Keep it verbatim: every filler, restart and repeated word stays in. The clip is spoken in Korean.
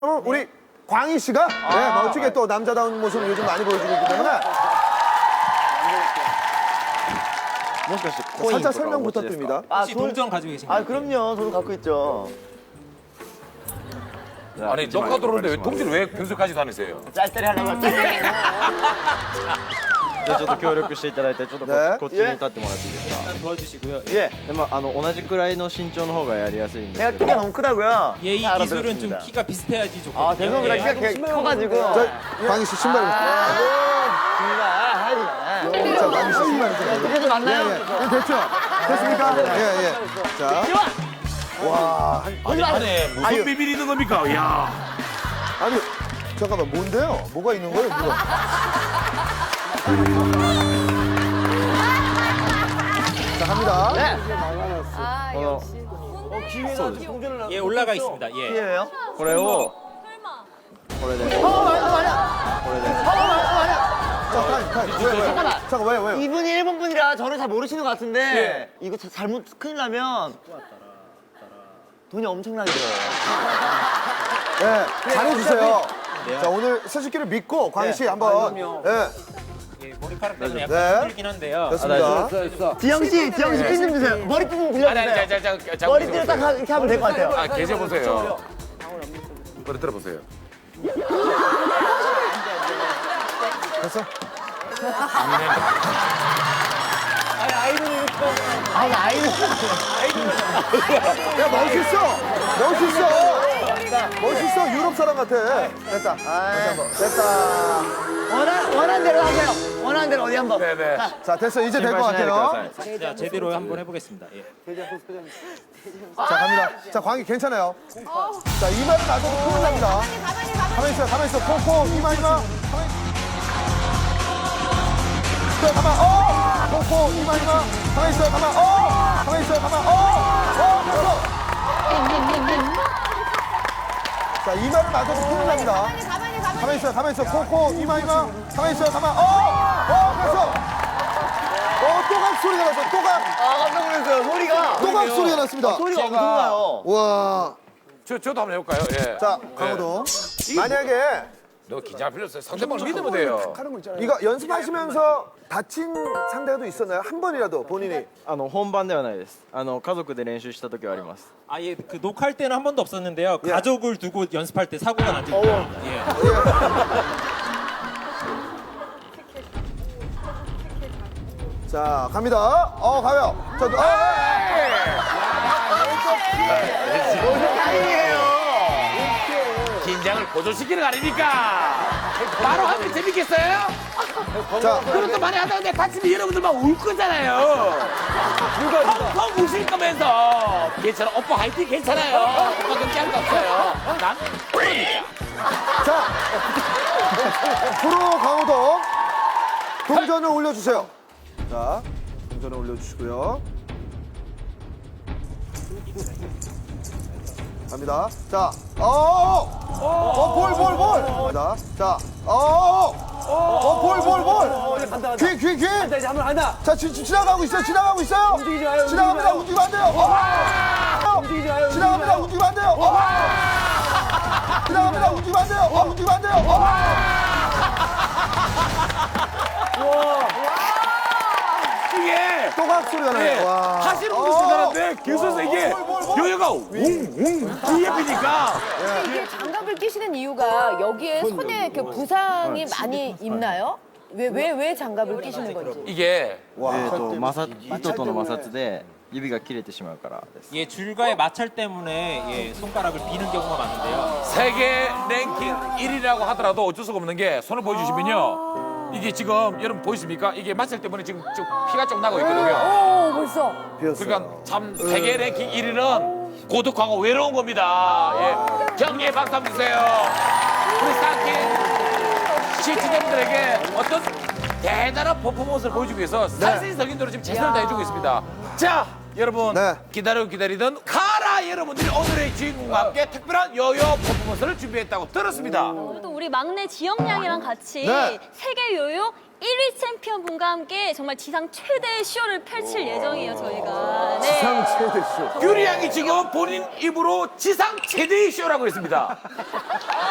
우리 광희 씨가 아, 네, 멋지게 또 남자다운 모습을 요즘 많이 보여주고 있기 때문에 살짝 설명 부탁드립니다. 아, 혹시 동전 가지고 계신가요? 아, 그럼요. 저도 갖고 있죠. 아니 녹화 들어오는데 왜 통지를 왜 평소까지 다니세요? 짤짤이 하려고 짤짤이. じゃあちょっと協力していただいてちょっとこ,、 ねこっちに立ってもらっていいですか。 일단 도와주시고요. 예. でまああの同じくらいの身長の方がやりやすいんです 제가 けど。 키가 너무 크다고요. 예, 이 다 기술은 좀 알아들었습니다. 키가 비슷해야지 좋거든요. 아, 죄송합니다. 예. 키가 개- 커가지고. 저 광희 씨 신발 정말 하지 마. 자, 광희 씨 신발 좀 그래도 맞나요? 예, 예. 됐죠? 됐습니까? 예, 예. 자, 와, 한- 아니 안에 무슨 아유. 비밀이 있는 겁니까? 야 아니 잠깐만 뭔데요? 뭐가 있는 거예요? 뭐가? 자, 갑니다. 네. 아 역시. 예, 올라가 있습니다. 예. 키예요? これを 설마. これで 어, 맞아, 맞아. これで 어, 맞아, 맞아. 자, 타임, 타임. 왜, 왜? 잠깐만. 잠깐 왜요, 왜요? 이분이 일본 분이라 저를 잘 모르시는 것 같은데 이거 자- 잘못 큰일 나면 돈이 엄청나게 들어요. 네, 잘해주세요. 자, 오늘 스즈키를 믿고 광희 씨 한번. 예, 예, 머리카락 때문에 네. 약간 힘들긴 한데요. 됐습니다. 지영 씨, 지영 씨 핀 좀 주세요. 머리핀 좀 빌려주세요. 자자자자 머리띠를 딱 하- 이렇게 하면 될 것 같아요. 아 계셔 보세요. 머리 들어 보세요. 됐어? 아, 아이는 야, 멋있어! 멋있어! 멋있어! 유럽 사람 같아. 됐다. 다시 한 번. 됐다. 원한 원한 대로 하세요. 원하는 대로 어디 한번. 네네. 자, 됐어. 이제 될 것 心配しないでくだ 같아요. さい。 자, 제대로 한번 해보겠습니다. 예. 자, 갑니다. 자, 광희 괜찮아요. 자, 이마를 놔둬도 큰일 납니다. 가만히 가만히. 가만히 있어요, 가만히 있어. 콩콩, 이마, 이마. 가만히. 자, 가만, 어! 콩콩, 이마, 이마. 가만히 있어요, 가만, 어! 가만히 있어요, 가만, 어! 어, 됐어. 자, 이마를 놔둬도 큰일 납니다. 가만히 가만히 가만히. 가만히 있어요, 가만히 있어요. 콩콩, 이마, 이마. 가만히 있어요, 가만, 어! 어, 됐어. 어, 또각 소리가 났어, 또각. 아, 깜짝 놀랐어요. 소리가. 또각 소리가 났습니다. 소리가 엄청나요. 와. 저 저도 한번 해볼까요? 예. 자, 강호동. 만약에 너 긴장 필요 없어요. 상대방을 믿으면 돼요. 이거 연습하시면서 다친 상대도 있었나요? 한 번이라도 본인이. あの本番ではないです。あの家族で練習した時はあります。 아, 예, 그 녹화할 때는 한 번도 없었는데요. 가족을 두고 연습할 때 사고가 난 적이 있어요. 예. 자, 갑니다. 어, 가요. 자, 어, 긴장을 고조시키는 거 아닙니까? 바로 하면 재밌겠어요? 자, 그것도 많이 하다가 다치면 여러분들 막 울 거잖아요. 펑펑 우실 거면서 괜찮아. 오빠 화이팅 괜찮아요. 오빠 걱정할 거 없어요. 난 그러니까. 자. 프로 강호동. 동전을 올려주세요. 자, 동전을 올려주시고요. 갑니다. 자, 어, 어, 볼, 볼, 볼. 갑니다. 자, 어, 어, 볼, 볼, 볼. 귀, 귀, 귀. 이제 한번 한다. 자, 지, 지, 지나가고 있어요. 지나가고 있어요. 움직이지 마요, 지나갑니다. 움직이지 움직이면 안 돼요. 어. 움직이지 마요. 지나갑니다. 움직이면 안 돼요. 어. 지나갑니다. 움직이면 안 돼요. 어, 움직이면 안 돼요. 어. 이게 또각 소리가 나요. 예, 와. 하시는 분도 어. 대단한데 기술에서 이게 볼, 볼, 볼. 요요가 웅웅 뒤에피니까 이게 장갑을 끼시는 이유가 여기에 손에 그 부상이 많이 있나요? 왜 왜 왜 장갑을 끼시는 건지. 이게 えーと摩擦糸との摩擦で指が切れてしまうからです。 예, 줄과의 마찰 때문에 예, 손가락을 비는 경우가 많은데요. 세계 랭킹 일 위라고 하더라도 어쩔 수가 없는 게 손을 보여주시면요. 이게 지금 여러분 보이십니까? 이게 마찰 때문에 지금 좀 피가 좀 나고 있거든요. 오 벌써. 그러니까 참 세계 랭킹 일 위는 고독하고 외로운 겁니다. 예. 경리의 박수 한번 주세요. 우리 스타킹 시청자분들에게 어떤 대단한 퍼포먼스를 보여주기 위해서 살신성인으로 지금 최선을 다해주고 있습니다. 자, 여러분 네. 기다리고 기다리던 카라 자, 여러분들이 오늘의 주인공과 함께 특별한 요요 퍼포먼스를 준비했다고 들었습니다. 또 우리 막내 지영 양이랑 같이 네. 세계 요요 일 위 챔피언 분과 함께 정말 지상 최대의 쇼를 펼칠 예정이에요, 저희가. 네. 지상 최대 쇼. 규리 양이 지금 본인 입으로 지상 최대의 쇼라고 했습니다.